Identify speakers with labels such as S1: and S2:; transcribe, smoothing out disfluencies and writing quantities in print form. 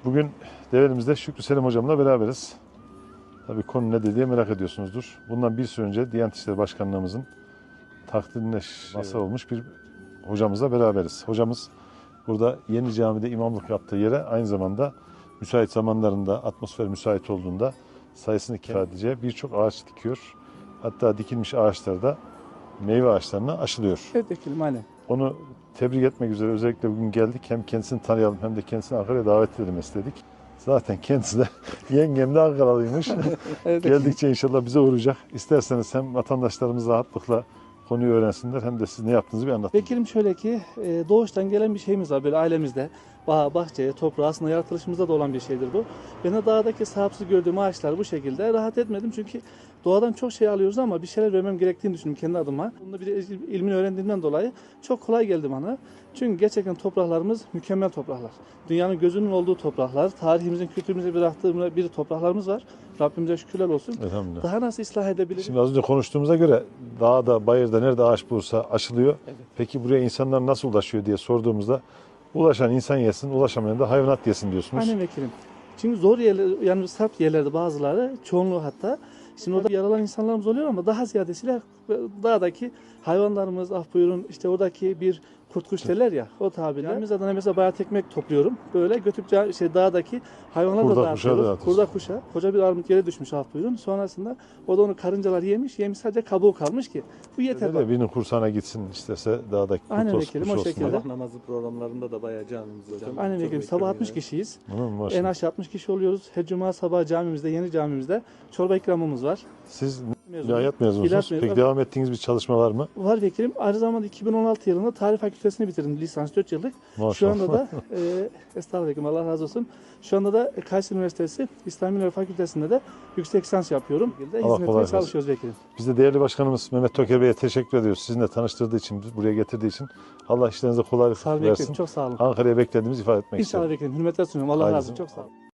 S1: Bugün Develimizde Şükrü Selim hocamla beraberiz. Tabii konu ne diye merak ediyorsunuzdur. Bundan bir süre önce Diyanet İşleri Başkanlığımızın takdirine mazhar olmuş bir hocamızla beraberiz. Hocamız burada Yeni Cami'de imamlık yaptığı yere aynı zamanda müsait zamanlarında, atmosfer müsait olduğunda sayısını kifade edeceği birçok ağaç dikiyor. Hatta dikilmiş ağaçlarda meyve ağaçlarına aşılıyor.
S2: Evet vekilim, aynen.
S1: Onu tebrik etmek üzere özellikle bugün geldik. Hem kendisini tanıyalım hem de kendisini Ankara'ya davet edelim istedik. Zaten kendisi de yengem de Ankaralıymış.
S2: Evet,
S1: Geldikçe inşallah bize uğrayacak. İsterseniz hem vatandaşlarımız rahatlıkla konuyu öğrensinler hem de siz ne yaptığınızı bir anlatın.
S2: Vekilim şöyle ki doğuştan gelen bir şeyimiz var böyle ailemizde. Bağ, bahçeye, toprağa aslında yaratılışımızda da olan bir şeydir bu. Ben de dağdaki sahipsiz gördüğüm ağaçlar bu şekilde rahat etmedim. Çünkü doğadan çok şey alıyoruz ama bir şeyler vermem gerektiğini düşündüm kendi adıma. Bunda bir de ilmini öğrendiğimden dolayı çok kolay geldi bana. Çünkü gerçekten topraklarımız mükemmel topraklar. Dünyanın gözünün olduğu topraklar, tarihimizin, kültürümüze bıraktığımız bir topraklarımız var. Rabbimize şükürler olsun.
S1: Elhamdülillah.
S2: Daha nasıl ıslah edebiliriz?
S1: Şimdi az önce konuştuğumuza göre dağda, bayırda nerede ağaç bulursa aşılıyor.
S2: Evet.
S1: Peki buraya insanlar nasıl ulaşıyor diye sorduğumuzda ulaşan insan yesin, ulaşamayan da hayvanat yesin diyorsunuz.
S2: Aynen vekilim. Çünkü zor yerler, yani sarp yerlerde bazıları, çoğunluğu hatta. Şimdi orada yaralan insanlarımız oluyor ama daha ziyadesiyle dağdaki hayvanlarımız, ah buyurun işte oradaki bir kurt kuş derler ya o tabirle. Biz adına mesela bayağı tekmek topluyorum. Böyle götürüp dağdaki hayvanları
S1: Kurda
S2: da
S1: kuşa
S2: dağıtıyoruz.
S1: dağıtıyorsun.
S2: Kurda kuşa. Koca bir armut yere düşmüş ah buyurun. Sonrasında o da onu karıncalar yemiş. Yemiş sadece kabuğu kalmış ki. Bu yeter.
S1: Öyle de birinin kursağına gitsin istese dağdaki kurt
S2: Aynen
S1: olsun,
S2: vekilim,
S1: kuş
S2: o
S1: olsun.
S2: şekilde.
S1: diye.
S3: Sabah namazı programlarında da bayağı camimiz hocam.
S2: Aynen
S3: Çok
S2: vekilim. Sabah 60
S3: bekliyorum
S2: kişiyiz.
S1: Bunun mu var
S2: En
S1: şimdi?
S2: aşağı 60 kişi oluyoruz. Her cuma sabah camimizde, yeni camimizde çorba ikramımız var.
S1: Siz
S2: Mezunum.
S1: ilahiyat mezunusunuz.
S2: İlahiyat mezunu.
S1: Peki devam ettiğiniz bir çalışma var mı?
S2: Var vekilim. Aynı zamanda 2016 yılında tarih fakültesini bitirdim. Lisans 4 yıllık.
S1: Maşallah.
S2: Şu anda da estağfurullah vekilim, Allah razı olsun. Şu anda da Kayseri Üniversitesi İslam Bilimleri Fakültesi'nde de yüksek lisans yapıyorum.
S1: Allah
S2: Hizmet etmeye
S1: kolaylık versin.
S2: çalışıyoruz vekilim.
S1: Biz de değerli başkanımız Mehmet Toker Bey'e teşekkür ediyoruz. Sizinle tanıştırdığı için, buraya getirdiği için. Allah işlerinize kolaylık
S2: Sağ olun
S1: versin.
S2: vekilim. Çok sağ olun.
S1: Ankara'ya beklediğimizi ifade etmek
S2: İnşallah
S1: istiyorum.
S2: vekilim. Hürmetler sunuyorum. Allah
S1: Hayırlı
S2: razı olsun.
S1: olsun.
S2: Çok sağ olun.